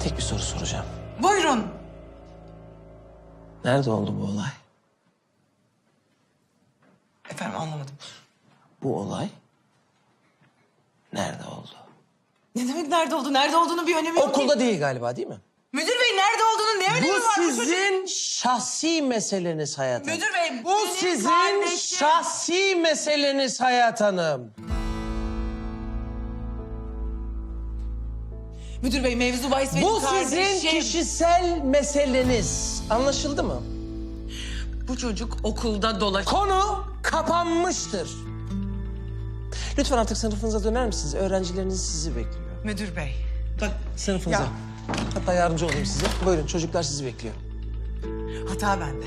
Tek bir soru soracağım. Buyurun. Nerede oldu bu olay? Efendim anlamadım. Bu olay nerede oldu? Ne demek nerede oldu? Nerede olduğunu bir önemi yok Okulda ki. değil galiba, değil mi? Müdür bey nerede olduğunu ne önemi Bu var bu sizin şahsi meseleniz Hayat Hanım. Müdür bey, Bu benim sizin kardeşim. şahsi meseleniz Hayat Hanım. Müdür bey mevzu bahis benim Bu kardeşim. sizin kişisel meseleniz. Anlaşıldı mı? Bu çocuk okulda Konu kapanmıştır. Lütfen artık sınıfınıza döner misiniz? Öğrencileriniz sizi bekliyor. Müdür bey. Bak Sınıfınıza. Ya. Hatta yardımcı olayım size. Buyurun, çocuklar sizi bekliyor. hata bende.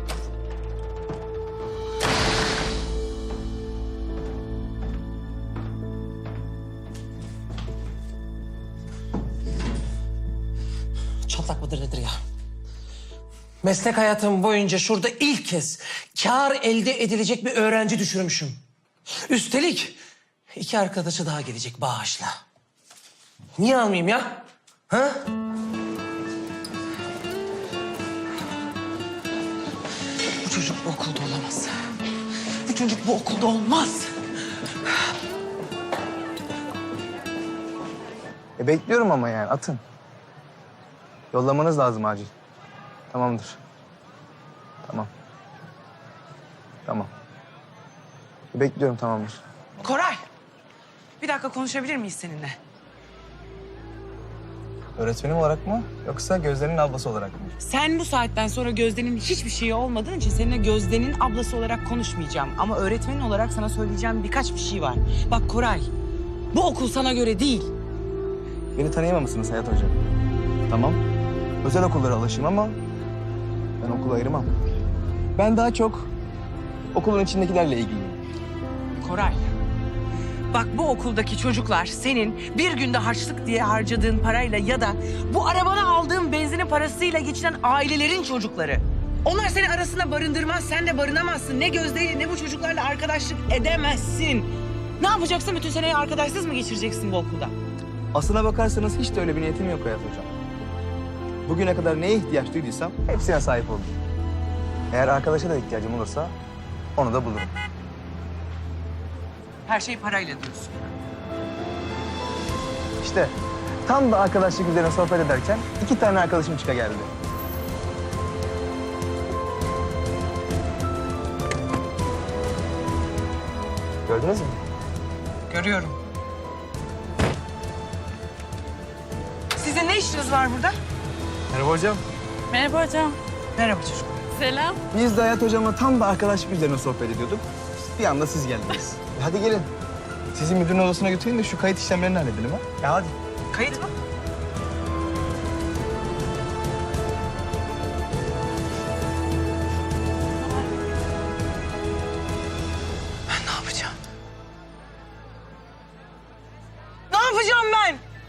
Çatlak mıdır nedir ya? Meslek hayatım boyunca şurada ilk kez kâr elde edilecek bir öğrenci düşürmüşüm. Üstelik 2 arkadaşı daha gelecek bağışla. Niye almayayım ya? Ha? Bu çocuk bu okulda olamaz. Bu çocuk bu okulda olmaz. Bekliyorum ama yani atın. Yollamanız lazım acil. Tamamdır. Tamam. Tamam. Bekliyorum tamamdır. Koray. Bir dakika konuşabilir miyiz seninle? Öğretmenim olarak mı yoksa Gözde'nin ablası olarak mı? Sen bu saatten sonra Gözde'nin hiçbir şeyi olmadığın için seninle Gözde'nin ablası olarak konuşmayacağım. Ama öğretmenin olarak sana söyleyeceğim birkaç bir şey var. Bak Koray, bu okul sana göre değil. Beni tanıyamamışsınız Hayat Hocam. Tamam. Özel okullara alışayım ama ben okulu ayırmam. Ben daha çok okulun içindekilerle ilgiliyim. Koray, bak bu okuldaki çocuklar senin bir günde harçlık diye harcadığın parayla ya da bu arabana aldığın benzinin parasıyla geçinen ailelerin çocukları. Onlar seni arasında barındırmaz, sen de barınamazsın. Ne Gözde'yle ne bu çocuklarla arkadaşlık edemezsin. Ne yapacaksın? Bütün seneyi arkadaşsız mı geçireceksin bu okulda? Aslına bakarsanız hiç de öyle bir niyetim yok Hayat Hocam. Bugüne kadar neye ihtiyaç duyduysam hepsine sahip oldum. Eğer arkadaşa da ihtiyacım olursa onu da bulurum. Her şey parayla diyorsun. İşte tam da arkadaşlık üzerine sohbet ederken 2 tane arkadaşım çıka geldi. Gördünüz mü? Görüyorum. Sizin ne işiniz var burada? Merhaba hocam. Merhaba hocam. Merhaba çocuk. Selam. Biz de Hayat Hocam'la tam da arkadaşlık üzerine sohbet ediyorduk. Bir anda siz geldiniz. Hadi gelin. Sizi müdürün odasına götüreyim de şu kayıt işlemlerini halledelim ha. Ya hadi. Kayıt mı?